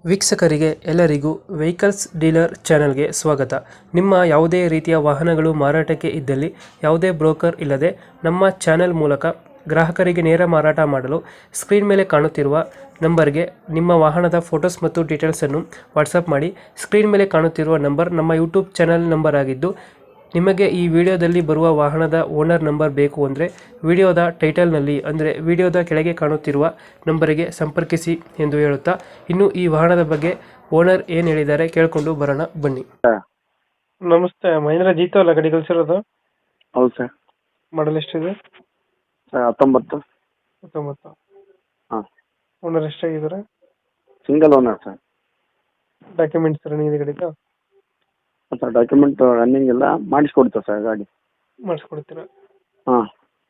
ವೀಕ್ಷಕರಿಗೆ ಎಲ್ಲರಿಗೂ vehicles dealer ಚಾನೆಲ್ಗೆ ಸ್ವಾಗತ. ನಿಮ್ಮ ಯಾವುದೇ ರೀತಿಯ ವಾಹನಗಳು ಮಾರಾಟಕ್ಕೆ ಇದ್ದಲ್ಲಿ ಯಾವುದೇ ಬ್ರೋಕರ್ ಇಲ್ಲದೆ ನಮ್ಮ ಚಾನೆಲ್ ಮೂಲಕ ಗ್ರಾಹಕರಿಗೆ ನೇರ ಮಾರಾಟ ಮಾಡಲು ಸ್ಕ್ರೀನ್ ಮೇಲೆ ಕಾಣುತ್ತಿರುವ ನಂಬರ್ಗೆ ನಿಮ್ಮ ವಾಹನದ ಫೋಟೋಸ್ ಮತ್ತು ಡೀಟೇಲ್ಸನ್ನು ವಾಟ್ಸಪ್ ಮಾಡಿ. ಸ್ಕ್ರೀನ್ ಮೇಲೆ ಕಾಣುತ್ತಿರುವ ನಂಬರ್ ನಮ್ಮ ಯೂಟ್ಯೂಬ್ ಚಾನೆಲ್ ನಂಬರ್ ಆಗಿದ್ದು, ನಿಮಗೆ ಈ ವಿಡಿಯೋದಲ್ಲಿ ಬರುವ ವಾಹನದ ಓನರ್ ನಂಬರ್ ಬೇಕು ಅಂದರೆ ವಿಡಿಯೋದ ಟೈಟಲ್ನಲ್ಲಿ ಅಂದರೆ ವಿಡಿಯೋದ ಕೆಳಗೆ ಕಾಣುತ್ತಿರುವ ನಂಬರಿಗೆ ಸಂಪರ್ಕಿಸಿ ಎಂದು ಹೇಳುತ್ತಾ, ಇನ್ನು ಈ ವಾಹನದ ಬಗ್ಗೆ ಓನರ್ ಏನು ಹೇಳಿದ್ದಾರೆ ಕೇಳಿಕೊಂಡು ಬರೋಣ ಬನ್ನಿ. ನಮಸ್ತೆ, ಮಹೇಂದ್ರ ಜೀತೋ ಅಲ್ಲ ಗಾಡಿ ಕಳಿಸಿರೋದು? ಹೌದು ಸರ್. ಮಾಡಲ್ ಎಷ್ಟಿದೆ? ಸರ್ 19. 19. ಹಾಂ. ಓನರ್ ಎಷ್ಟಾಗಿದ್ದಾರೆ? Single owner sir. Documents running ಇದೆ ಗಾಡಿದು? ಸರ್ ಡಾಕ್ಯುಮೆಂಟ್ ರನ್ನಿಂಗ್ ಎಲ್ಲ ಮಾಡಿಸ್ಕೊಡ್ತೇವೆ ಸರ್ ಗಾಡಿ. ಮಾಡಿಸ್ಕೊಡ್ತೀರಾ? ಹಾಂ.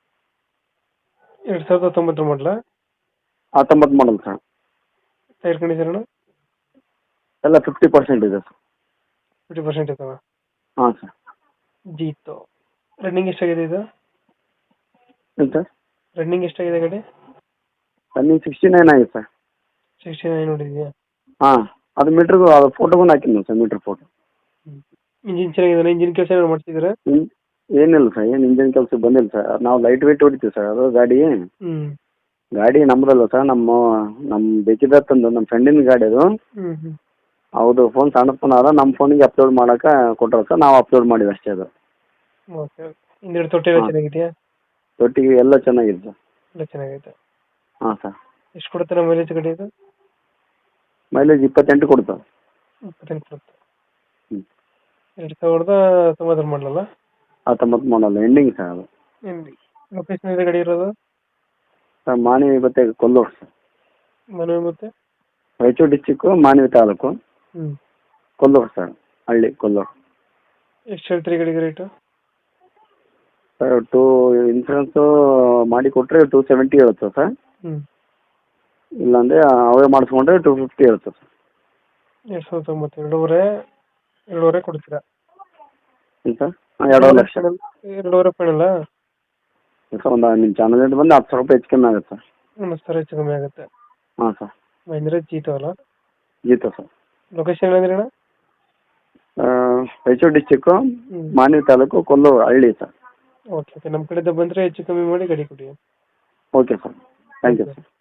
2019 ಮಾಡಲ? 19 ಮಾಡಲ್ ಸರ್. ಟೈರ್ ಕಂಡೀಷನ್ ಎಲ್ಲ 50% ಇದೆ ಸರ್. 50% ಇದಾವ? ಹಾಂ ಸರ್. ಜೀತೋ ರನ್ನಿಂಗ್ ಎಷ್ಟಾಗಿದೆ ಇದು? ಏನು ಸರ್? ರನ್ನಿಂಗ್ ಎಷ್ಟಾಗಿದೆ ಗಾಡಿ? ರನ್ನಿಂಗ್ 69 ಆಗಿದೆ ಸರ್. 69 ನೋಡಿದ್ಯಾ? ಹಾಂ, ಅದು ಮೀಟ್ರಿಗೂ ಅದು ಫೋಟೋಗೂ ಹಾಕಿದ್ದೀನಿ ಸರ್, ಮೀಟ್ರ್ ಫೋಟೋ. ಇಂಜಿನ್ ಚೆನ್ನಾಗಿದೆ? ಇಂಜಿನ್ ಕೆಲಸ ಏನಾದ್ರು ಮಾಡ್ತಿದ್ದೀರಾ? ಏನಿಲ್ಲ ಸರ್, ಏನು ಇಂಜಿನ್ ಕೆಲಸ ಬಂದಿಲ್ಲ ಸರ್. ನಾವು ಲೈಟ್ ವೆಯ್ಟ್ ಹೊಡಿತೀವಿ ಸರ್. ಅದು ಗಾಡಿ ನಮ್ಮದಲ್ಲ ಸರ್, ನಮ್ಮ ಬೇಕಿದ್ದ ತಂದು ನಮ್ಮ ಫ್ರೆಂಡಿನ ಗಾಡಿ ಅದು. ಹೌದು, ಫೋನ್ ಸಣ್ಣ ಫೋನ್ ಅದ, ನಮ್ಮ ಫೋನಿಗೆ ಅಪ್ಲೋಡ್ ಮಾಡೋಕೆ ಕೊಟ್ಟರು ಸರ್, ನಾವು ಅಪ್ಲೋಡ್ ಮಾಡಿವಿ ಅಷ್ಟೇ ಅದು. ಓಕೆ. ಹಿಂದ್ಗಡೆ ತೊಟ್ಟಿ ಎಲ್ಲ ಚೆನ್ನಾಗಿದೆಯಾ? ತೊಟ್ಟಿಗೆ ಎಲ್ಲ ಚೆನ್ನಾಗಿದೆ ಸರ್. ಎಲ್ಲ ಚೆನ್ನಾಗೈತೆ. ಹಾಂ ಸರ್. ಎಷ್ಟು ಕೊಡುತ್ತೆ ಮೈಲೇಜ್ ಗಾಡಿ ಇದು? ಮೈಲೇಜ್ 28 ಕೊಡ್ತಾವೆ. 28 ಕೊಡುತ್ತೆ. ಹ್ಞೂ. 2019 ಮಾಡಲಲ್ಲ? 19 ಮಾಡಲ್ಲ, ಎಂಡಿಂಗ್ ಸರ್ ಅದು. ಲೊಕೇಶನ್ ಇದೆ ಗಾಡಿ ಇರೋದು? ಸರ್ ಮಾನವಿ ಮತ್ತೆ ಕೊಲ್ಲೂರು ಸರ್. ಮನವಿ ಮತ್ತೆ ರಾಯಚೂರು ಡಿಸ್ಟಿಕ್ಕು, ಮಾನವಿ ತಾಲೂಕು, ಕೊಲ್ಲೂರು ಸರ್, ಹಳ್ಳಿ ಕೊಲ್ಲೂರು. ಎಷ್ಟು ಹೇಳ್ತೀರಿ ಗಾಡಿಗೆ ರೇಟು? ಸರ್ ಇನ್ಸೂರೆನ್ಸು ಮಾಡಿ ಕೊಟ್ಟರೆ 270 ಇರುತ್ತೆ ಸರ್. ಇಲ್ಲಾಂದರೆ ಅವೇ ಮಾಡಿಸ್ಕೊಂಡ್ರೆ 250 ಇರುತ್ತೆ ಸರ್. 2019 ಎರಡೂವರೆ ಕೊಡ್ತೀರಾ? ಏನು ಸರ್? ಹಾಂ, 2.5 ಲಕ್ಷ. 2.5 ಫೈನಲ್ಲ? ಸರ್ ಒಂದು ನಿಮ್ಮ ಚಾನಲಿಂದ ಬಂದು 10,000 ರೂಪಾಯಿ ಹೆಚ್ಚು ಕಮ್ಮಿ ಆಗುತ್ತೆ ಸರ್. 10,000 ಹೆಚ್ಚು ಕಮ್ಮಿ ಆಗುತ್ತೆ. ಹಾಂ ಸರ್. ಮಹೇಂದ್ರ ಜೀತೋ ಅಲ್ಲ? ಜೀತೋ ಸರ್. ಲೊಕೇಶನ್ ಏನಂದ್ರೆ ಅಣ್ಣ? ರಾಯಚೂರು ಡಿಸ್ಟಿಕ್ಕು, ಮಾನವಿ ತಾಲೂಕು, ಕೊಲ್ಲೂರು ಹಳ್ಳಿ ಸರ್. ಓಕೆ. ನಮ್ಮ ಕಡೆಯಿಂದ ಬಂದರೆ ಹೆಚ್ಚು ಕಮ್ಮಿ ಮಾಡಿ ಗಾಡಿ ಕೊಡಿ. Okay sir, thank you sir.